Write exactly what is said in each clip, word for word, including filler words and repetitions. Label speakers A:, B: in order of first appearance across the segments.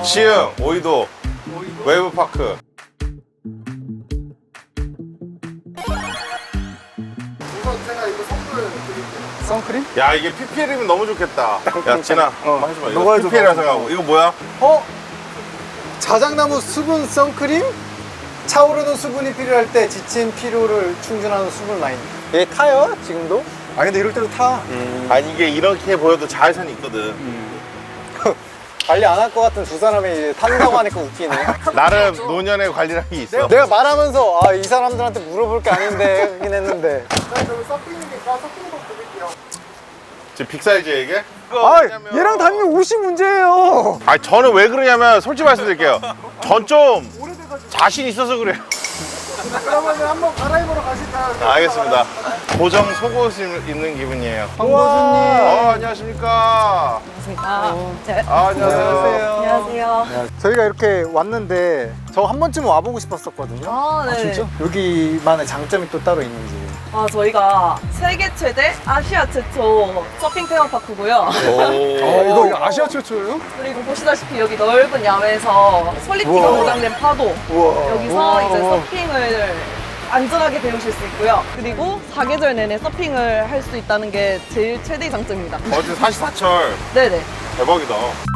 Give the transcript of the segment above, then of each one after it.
A: 시흥, 오이도, 웨이브파크.
B: 제가 이거 선물 드릴게요. 선크림?
A: 야, 이게 피피엘이면 너무 좋겠다. 야, 진아,
B: 어,
A: 한번 해줘봐.
B: 너가
A: 이거
B: 해줘,
A: 피피엘이라
B: 너가.
A: 생각하고. 이거 뭐야?
B: 어? 자작나무 수분 선크림? 차오르는 수분이 필요할 때 지친 피로를 충전하는 수분 라인. 얘 타요? 지금도? 아 근데 이럴 때도 타.
A: 음. 아니, 이게 이렇게 보여도 자외선이 있거든.
B: 음. 관리 안 할 것 같은 두 사람이 이제 탄다고 하니까 웃기네.
A: 나름 노년의 관리라는 게 있어.
B: 내가 말하면서 아 이 사람들한테 물어볼 게 아닌데 하긴 했는데.
A: 지금 빅사이즈 얘기해?
B: 아 얘랑 다니면 옷이 문제예요.
A: 아, 저는 왜 그러냐면 솔직히 말씀드릴게요. 전 좀 자신 있어서 그래요.
B: 그러면 한번 갈아입으러 가실까요?
A: 알겠습니다. 고정 속옷을 입는 기분이에요.
B: 황보수님.
A: 어, 안녕하십니까.
C: 안녕하십니까. 네.
A: 아, 안녕하세요.
C: 안녕하세요.
B: 저희가 이렇게 왔는데 저 한 번쯤 와보고 싶었었거든요.
C: 아, 네.
B: 여기만의 장점이 또 따로 있는지.
C: 아, 저희가 세계 최대, 아시아 최초 서핑 테마파크고요.
A: 오.
B: 이거, 이거 아시아 최초예요?
C: 그리고 보시다시피 여기 넓은 야외에서 솔리티가
B: 우와.
C: 보장된 파도.
B: 우와.
C: 여기서
B: 우와.
C: 이제 서핑을 안전하게 배우실 수 있고요. 그리고 사계절 내내 서핑을 할 수 있다는 게 제일 최대의 장점입니다.
A: 어제 사십사철
C: 네네.
A: 대박이다.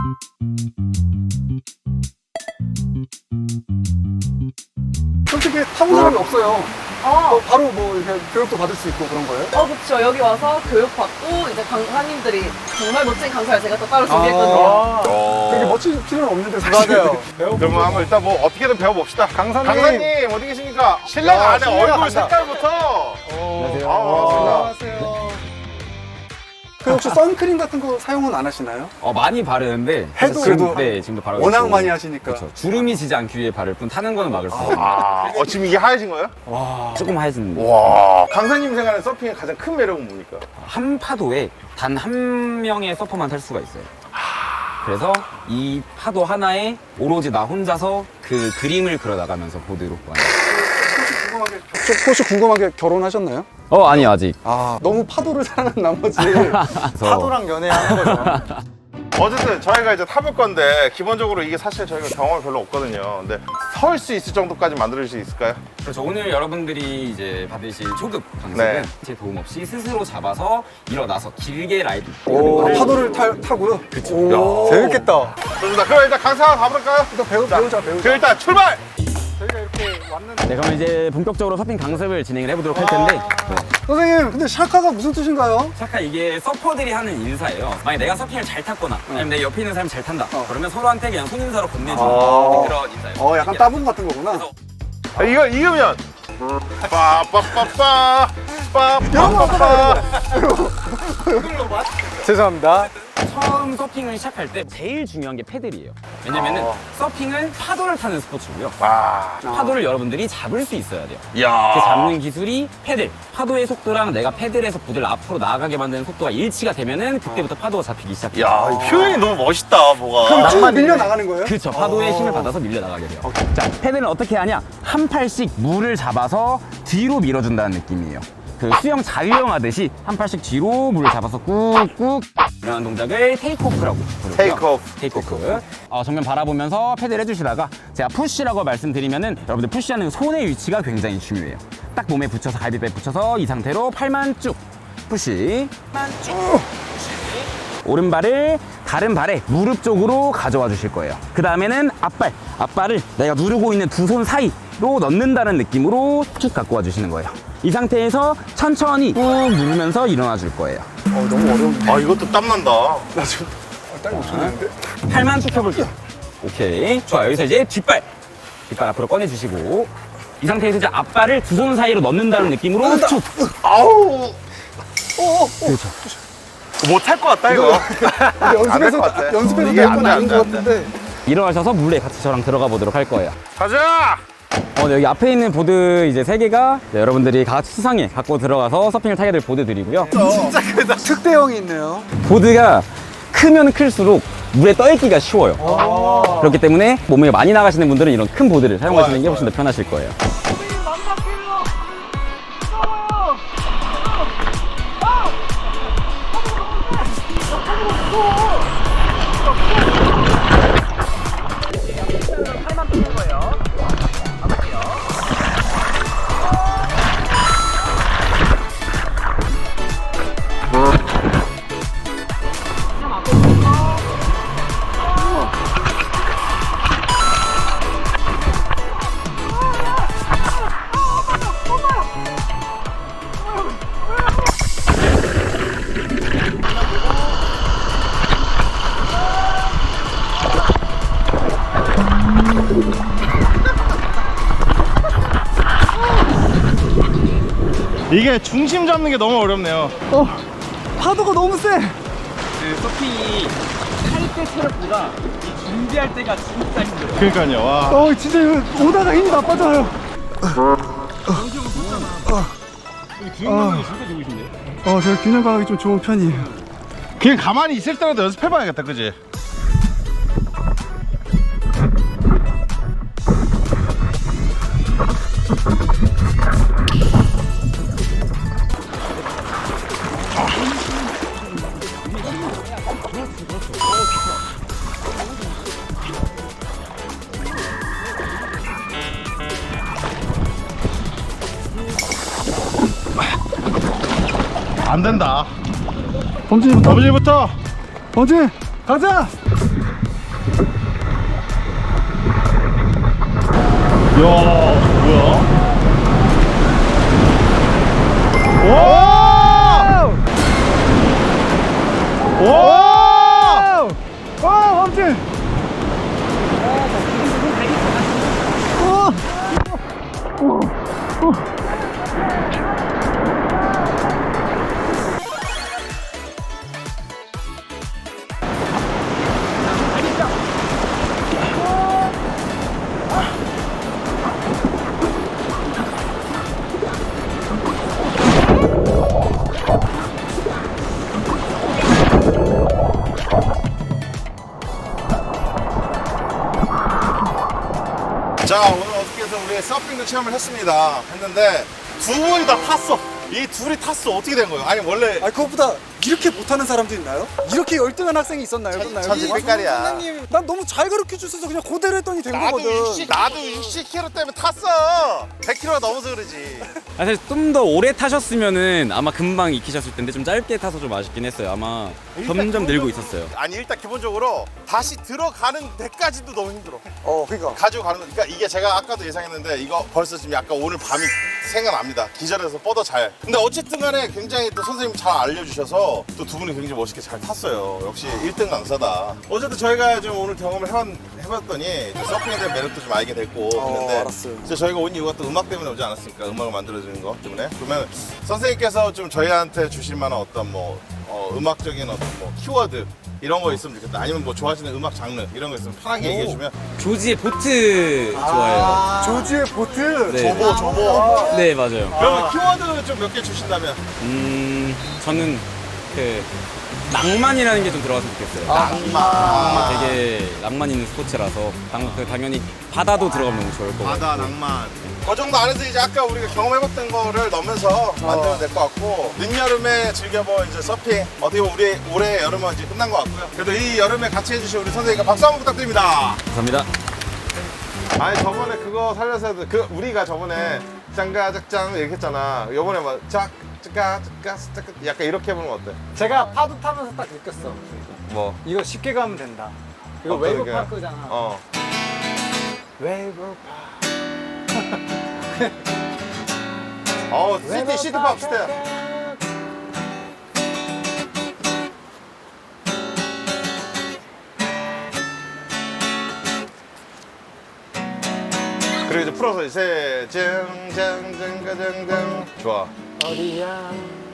B: 솔직히 타본 사람이 없어요.
C: 아,
B: 바로 뭐 이렇게 교육도 받을 수 있고 그런 거예요?
C: 어, 그쵸. 여기 와서 교육받고 이제 강사님들이 정말 멋진 강사를 제가 또 따로
B: 아.
C: 준비했거든요.
A: 어.
B: 되게 멋질 필요는 없는데 사실. 맞아요.
A: 그러면 한번 일단 뭐 어떻게든 배워봅시다.
B: 강사님.
A: 강사님 어디 계십니까? 신랑
B: 야,
A: 안에
B: 신랑
A: 얼굴
B: 간다.
A: 색깔부터.
B: 안녕하세요.
A: 아, 반갑습니다.
B: 안녕하세요. 그 혹시 선크림 같은 거 사용은 안 하시나요?
D: 어, 많이 바르는데
B: 해도
D: 지금,
B: 그래도
D: 네, 지금도 바르고
B: 워낙
D: 있고.
B: 많이 하시니까.
D: 그렇죠. 주름이 지지 않기 위해 바를 뿐 타는 거는 막을 수 없어요.
A: 아, 어, 지금 이게 하얘진 거예요?
D: 조금 하얘지는데
A: 와. 강사님 생활에 서핑의 가장 큰 매력은 뭡니까?
D: 한 파도에 단 한 명의 서퍼만 탈 수가 있어요. 그래서 이 파도 하나에 오로지 나 혼자서 그 그림을 그려나가면서 보드로 가는.
B: 궁금하게, 혹시 궁금하게 결혼하셨나요?
D: 어, 아니 아직.
B: 아, 너무 파도를 사랑하는 나머지
D: 그래서
B: 파도랑 연애하는 거죠.
A: 어쨌든 저희가 이제 타볼 건데 기본적으로 이게 사실 저희가 경험이 별로 없거든요. 근데 설 수 있을 정도까지 만들 수 있을까요?
D: 그렇죠. 오늘 여러분들이 이제 받으실 초급 강습은
A: 네.
D: 제 도움 없이 스스로 잡아서 일어나서 길게 라이드.
B: 오, 파도를 타, 타고요?
D: 그쵸.
B: 재밌겠다.
A: 좋습니다. 그럼 일단 강사 가볼까요?
B: 일단 배우, 배우자, 배우자.
A: 그럼 일단 출발!
B: 저희가 이렇게 왔는데.
D: 네, 그럼 이제 본격적으로 서핑 강습을 진행을 해보도록 할 텐데. 네.
B: 선생님, 근데 샤카가 무슨 뜻인가요?
D: 샤카 이게 서퍼들이 하는 인사예요. 만약 내가 서핑을 잘 탔거나 아니면 내 옆에 있는 사람이 잘 탄다. 그러면 서로한테 그냥 손인사로 건네주는
B: 아.
D: 그런 인사예요.
B: 어, 약간 따봉 같은 거구나.
D: 그래서
A: 아, 이거 익으면 빠빠빠빠 빠빠빠빠.
B: 죄송합니다.
D: 처음 서핑을 시작할 때 제일 중요한 게 패들이에요. 왜냐면은 서핑은 파도를 타는 스포츠고요.
A: 아,
D: 파도를 여러분들이 잡을 수 있어야 돼요.
A: 야.
D: 그 잡는 기술이 패들. 파도의 속도랑 내가 패들에서 보드를 앞으로 나아가게 만드는 속도가 일치가 되면은 그때부터 파도가 잡히기 시작해요.
A: 야, 이 표현이 너무 멋있다, 뭐가.
B: 쭉 밀려 나가는 거예요?
D: 그렇죠. 파도의 힘을 받아서 밀려 나가게 돼요. 자, 패들은 어떻게 하냐? 한 팔씩 물을 잡아서 뒤로 밀어준다는 느낌이에요. 그 수영 자유형 하듯이 한 팔씩 뒤로 물을 잡아서 꾹꾹 이런 동작을 테이크오프라고 부르고요.
A: 테이크오프.
D: 테이크오프. 어, 정면 바라보면서 패드를 해주시다가 제가 푸시라고 말씀드리면은 여러분들 푸시하는 손의 위치가 굉장히 중요해요. 딱 몸에 붙여서 갈비뼈에 붙여서 이 상태로 팔만 쭉 푸시. 팔만 쭉. 푸시. 오른발을 다른 발에 무릎 쪽으로 가져와 주실 거예요. 그 다음에는 앞발, 앞발을 내가 누르고 있는 두 손 사이로 넣는다는 느낌으로 쭉 갖고 와 주시는 거예요. 이 상태에서 천천히 꾹 누르면서 일어나 줄 거예요.
B: 어, 너무 어려운데.
A: 아, 이것도 땀난다.
B: 나 지금 딸이 없었는데.
D: 팔만 쭉 펴볼게요. 오케이. 좋아요. 여기서 이제 뒷발. 뒷발 앞으로 꺼내주시고. 이 상태에서 이제 앞발을 두 손 사이로 넣는다는 느낌으로 쭉.
A: 아우.
D: 그렇죠.
A: 못할 것 같다, 이거.
B: 연습해서,
A: 것 같아.
B: 연습해서
A: 이게
B: 될
A: 안
B: 건
A: 돼,
B: 아닌
A: 안
B: 것
A: 돼, 안 돼.
B: 같은데.
D: 일어나셔서 물에 같이 저랑 들어가 보도록 할 거예요.
A: 가자!
D: 어, 네, 여기 앞에 있는 보드 이제 세 개가 네, 여러분들이 같이 수상에 갖고 들어가서 서핑을 타게 될 보드들이고요.
A: 진짜 크다.
B: 특대형이 있네요.
D: 보드가 크면 클수록 물에 떠있기가 쉬워요. 그렇기 때문에 몸에 많이 나가시는 분들은 이런 큰 보드를 사용하시는 게 훨씬 더 편하실 거예요.
A: 이게 중심 잡는 게 너무 어렵네요.
B: 어, 파도가 너무 세.
D: 그 서핑이 할 때 체력보다 이 준비할 때가 진짜 힘들어요.
A: 그러니까요. 와.
B: 어, 진짜 이거 오다가 힘이 나빠져요.
D: 균형감이 진짜 좋으신데요?
B: 어, 저 균형 감각이 좀 좋은 편이에요.
A: 그냥 가만히 있을 때라도 연습해봐야겠다, 그지? 안 된다.
B: 범진이부터.
A: 범진이부터.
B: 범진, 가자.
A: 야, 뭐야? 오! 오!
B: 와, 범진.
A: 자, 오늘 어떻게 해서 우리 서핑도 체험을 했습니다. 했는데 두 분이 다 탔어. 이 둘이 탔어. 어떻게 된 거예요? 아니 원래
B: 아, 그것보다 이렇게 못하는 사람도 있나요? 이렇게 열등한 학생이 있었나요?
A: 전-
B: 있었나요?
A: 전지
B: 이
A: 빛깔이야.
B: 선생님, 난 너무 잘 가르쳐 주셔서 그냥 그대로 했더니 된
A: 나도
B: 거거든.
A: 육십 나도 육십 킬로그램 때문에 탔어. 백 킬로그램가 넘어서 그러지.
D: 아, 사실 좀 더 오래 타셨으면은 아마 금방 익히셨을 텐데 좀 짧게 타서 좀 아쉽긴 했어요. 아마 점점 늘고 있었어요.
A: 아니 일단 기본적으로 다시 들어가는 데까지도 너무 힘들어.
B: 어, 그러니까.
A: 가지고 가는 거. 그러니까 이게 제가 아까도 예상했는데 이거 벌써 지금 약간 오늘 밤이 생각납니다. 기절해서 뻗어 잘. 근데 어쨌든 간에 굉장히 또 선생님 잘 알려주셔서 또 두 분이 굉장히 멋있게 잘 탔어요. 역시 일 등 강사다. 어쨌든 저희가 좀 오늘 경험을 해봤, 해봤더니 좀 서핑에 대한 매력도 좀 알게 됐고
B: 어,
A: 그런데
B: 알았어요.
A: 이제 저희가 온 이유가 또 음악 때문에 오지 않았습니까? 음악을 만들어주는 거 때문에. 그러면 선생님께서 좀 저희한테 주실 만한 어떤 뭐 어, 음악적인 어떤 뭐 키워드 이런 거 있으면 좋겠다. 아니면 뭐 좋아하시는 음악 장르 이런 거 있으면 편하게 얘기해주면.
D: 조지의 보트 좋아해요.
B: 조지의 보트.
D: 네.
A: 조보 조보.
D: 네, 맞아요.
A: 그러면 키워드 좀 몇 개 주신다면.
D: 음, 저는 그 낭만이라는 게 좀 들어갔으면 좋겠어요.
A: 낭만.
D: 되게 낭만 있는 스포츠라서 당, 그 당연히 바다도 들어가면 너무 좋을 것 같아요.
A: 바다 낭만. 그 정도 안에서 이제 아까 우리가 경험해봤던 거를 넣으면서 만들면 될 것 같고 늦여름에 즐겨볼 이제 서핑 어떻게 보면 우리 올해 여름은 이제 끝난 것 같고요. 그래도 이 여름에 같이 해주신 우리 선생님께 박수 한번 부탁드립니다.
D: 감사합니다.
A: 아니 저번에 그거 살려서 해도 그 우리가 저번에 짱가짝짱 이렇게 했잖아. 요번에 막 짝, 짝가, 짝가, 짝가 약간 이렇게 해보는 거 어때?
B: 제가 파도 타면서 딱 느꼈어.
A: 뭐?
B: 이거 쉽게 가면 된다. 이거
A: 어떤
B: 웨이브
A: 게?
B: 파크잖아.
A: 어.
B: 웨이브
A: 어,
B: 파크.
A: 시티, 시티팝 시대. 그리고 이제 풀어서 이제 짱짱짱가짱짱 좋아.
B: 어디야?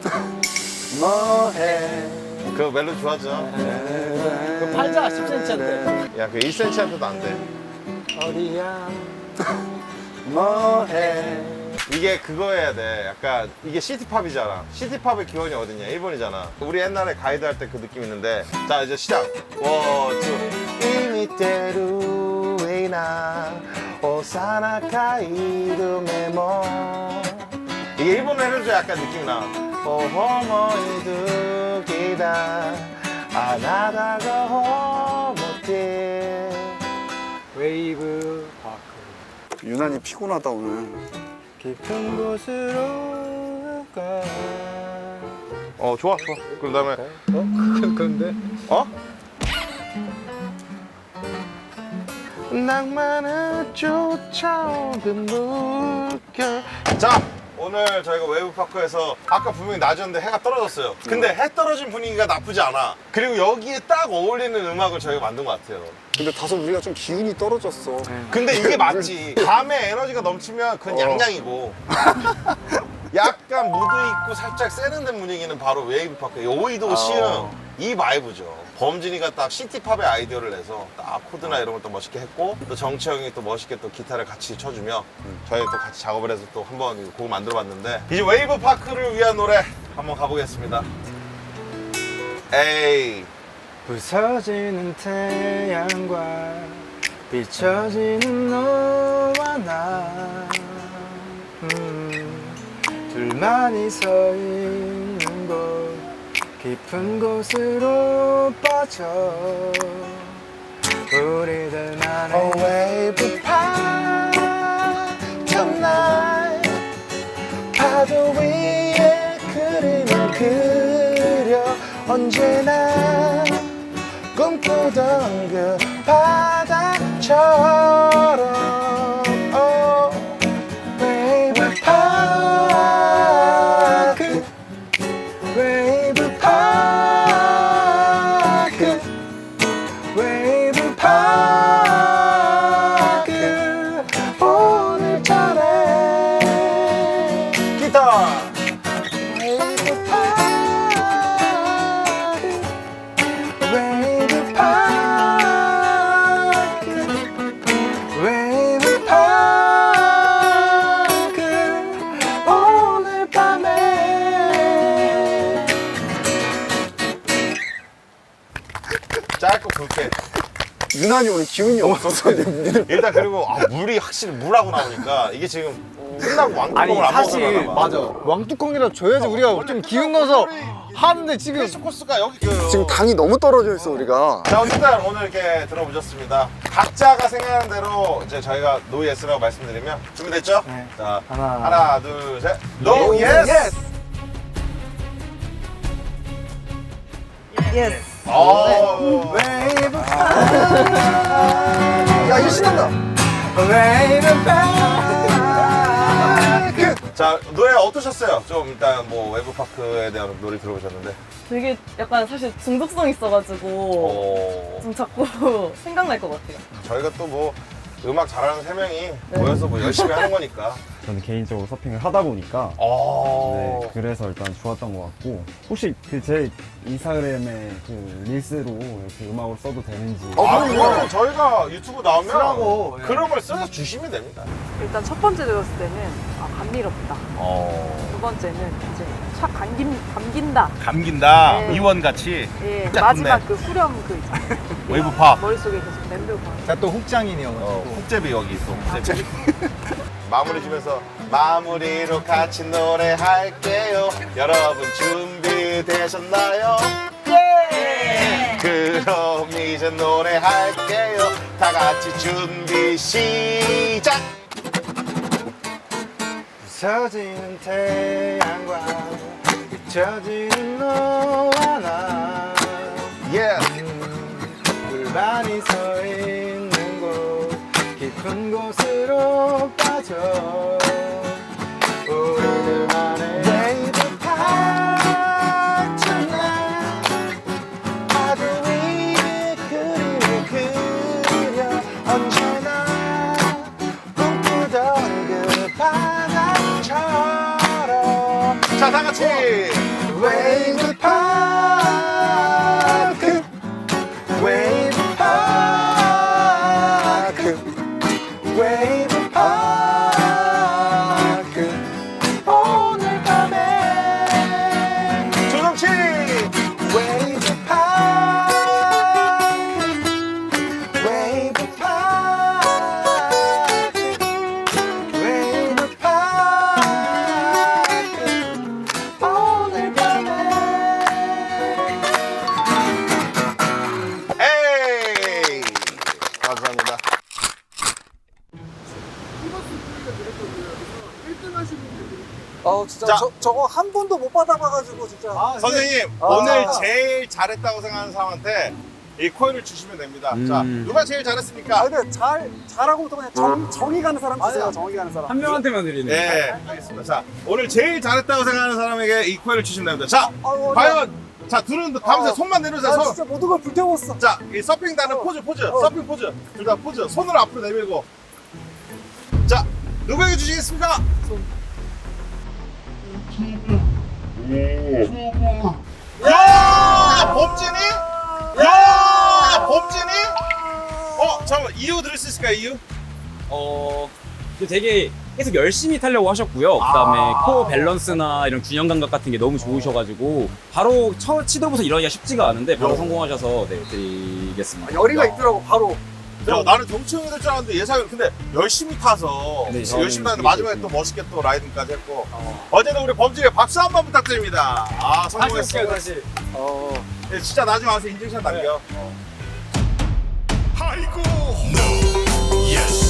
B: 뭐해?
A: 그 멜로디 좋아하죠?
B: 그 팔자가 십 센티미터인데.
A: 야, 그 일 센티미터도 안 돼.
B: 어디야? 뭐해?
A: 이게 그거 해야 돼. 약간 이게 시티팝이잖아. 시티팝의 기원이 어디냐? 일본이잖아. 우리 옛날에 가이드 할 때 그 느낌 있는데. 자, 이제 시작. 원, 투. 이미테루 에이나 오사나카 이루메모. 이게 일본어 해줘야 약간 느낌이 나. 오호모이 두기다 아나다가 호모테.
B: 웨이브 파크. 유난히 피곤하다 오늘. 깊은 곳으로 가.
A: 어, 좋아, 좋아. 그 다음에,
B: 어? 그런데?
A: 어? 낭만을 쫓아오는 물결. 자, 오늘 저희가 웨이브파크에서 아까 분명히 낮이었는데 해가 떨어졌어요. 근데 해 떨어진 분위기가 나쁘지 않아. 그리고 여기에 딱 어울리는 음악을 저희가 만든 것 같아요.
B: 근데 다소 우리가 좀 기운이 떨어졌어.
A: 근데 이게 맞지. 밤에 에너지가 넘치면 그건
B: 어.
A: 양양이고 약간 무드 있고 살짝 세련된 분위기는 바로 웨이브 파크. 오이도
B: 아.
A: 시흥 이 바이브죠. 범진이가 딱 시티팝의 아이디어를 내서 딱 코드나 이런 걸 또 멋있게 했고 또 정치 형이 또 멋있게 또 기타를 같이 쳐주며 저희 또 같이 작업을 해서 또 한번 곡을 만들어봤는데 이제 웨이브 파크를 위한 노래 한번 가보겠습니다. 에이.
B: 부서지는 태양과 비춰지는 너와 나 음, 둘만이 서 있는 곳 깊은 곳으로 빠져 우리들만의 oh, wave park tonight 파도 위에 그림을 그려 언제나 꿈꾸던 그 바다처럼 oh, wave park wave park wave park 오늘 밤에 기타 wave park wave park wave park 오늘 밤에
A: 짧고 굵게.
B: 유난히 오늘 기운이 없어서
A: 일단 그리고 아, 물이 확실히 물하고 나오니까 이게 지금 끝나고 왕뚜껑을 안 먹으려나 봐.
B: 왕뚜껑이라 줘야지 우리가 좀 기운 넣어서 하는데 지금
A: 필수 코스가 여기 그
B: 지금 당이 너무 떨어져 있어 우리가.
A: 자 일단 오늘 이렇게 들어보셨습니다. 각자가 생각하는 대로 이제 저희가 노 예스라고 말씀드리면 준비됐죠?
B: 네.
A: 자
B: 하나.
A: 하나 둘 셋. 노
B: No
A: 예스.
B: yes.
C: 예스.
A: 오.
B: 웨이브 야 이거 신난다. 웨이브 파크.
A: 자 노래 어떠셨어요? 좀 일단 뭐 웨브파크에 대한 노래 들어보셨는데.
C: 되게 약간 사실 중독성 있어가지고
A: 어.
C: 좀 자꾸 생각날 것 같아요.
A: 저희가 또 뭐 음악 잘하는 세 명이 모여서 뭐 열심히 하는 거니까.
E: 저는 개인적으로 서핑을 하다 보니까
A: 어.
E: 네, 그래서 일단 좋았던 것 같고 혹시 그 제 인스타그램에 그 릴스로 이렇게 음악으로 써도 되는지
A: 아, 그거는 저희가 유튜브 나오면
B: 쓰라고, 예.
A: 그런 걸 써서 주시면 됩니다.
F: 일단 첫 번째 들었을 때는 아, 감미롭다.
A: 어.
F: 두 번째는 이제 착 감긴, 감긴다.
A: 감긴다.
F: 네.
A: 이원같이.
F: 예,
A: 짝
F: 마지막
A: 붙네.
F: 그 후렴 그 있잖아요.
A: 웨이브팝.
F: 머릿속에 계속 맴돌고 하는.
B: 제가 또 훅장인이어가지고.
A: 어, 훅제비 여기 있어. 훅제비. 마무리 주면서 마무리로 같이 노래할게요. 여러분 준비되셨나요? 예! 그럼 이제 노래할게요. 다 같이 준비 시작.
B: 부서지는 태양과 비춰지는 너와 나
A: 예.
B: 불만이 서 있는 곳 깊은 곳으로 빠져 우리들만의 웨이브 파크 tonight 파도 위에 그림을 그려 언제나 꿈꾸던 그 바다처럼
A: 자, 다 같이.
B: 웨이브 파크 웨이브 파크 웨이브 파크 오늘 밤에
A: 조정치.
B: 웨이브 파크 웨이브 파크 웨이브 파크 오늘 밤에
A: 에이. 감사합니다.
B: 어 진짜
A: 자.
B: 저, 저거 한 번도 못 받아봐가지고 진짜
A: 선생님,
B: 아.
A: 오늘 제일 잘했다고 생각하는 사람한테 이 코인을 주시면 됩니다. 자,
D: 음.
A: 누가 제일 잘했습니까?
B: 근데 잘 잘하고부터 그냥 정, 정이 가는 사람 주세요. 정이 가는 사람.
D: 한 명한테만 드리는
A: 네, 알겠습니다. 자, 오늘 제일 잘했다고 생각하는 사람에게 이 코인을 주시면 됩니다. 자,
B: 아이고,
A: 과연, 자, 둘은 감세
B: 어.
A: 손만 내려주세요.
B: 나
A: 손.
B: 진짜 모든 걸 불태웠어.
A: 자, 이 서핑다는
B: 어.
A: 포즈, 포즈,
B: 어.
A: 서핑 포즈. 둘 다 포즈. 손을 앞으로 내밀고. 자, 누구에게 주시겠습니까? 야, 범진이? 야, 범진이? 어, 잠깐만, 이유 들을 수 있을까요, 이유?
G: 어, 그 되게 계속 열심히 타려고 하셨고요. 그다음에
A: 아.
G: 코어 밸런스나 이런 균형 감각 같은 게 너무 좋으셔가지고 바로 첫 시도부터 이러기가 쉽지가 않은데 바로
A: 어.
G: 성공하셔서 네, 드리겠습니다.
B: 열의가 있더라고 바로.
A: 야, 나는 경치형이 될 줄 알았는데 예상을 근데 열심히 타서
G: 네,
A: 열심히 타는데
G: 저는
A: 마지막에
G: 되게
A: 또 멋있게 또 라이딩까지 했고 어. 쨌든 우리 범진이 박수 한 번 부탁드립니다. 아, 성공했어.
B: 다시. 어.
A: 네, 진짜 나중에 와서 인증샷 남겨. 어.
H: 아이고 no yes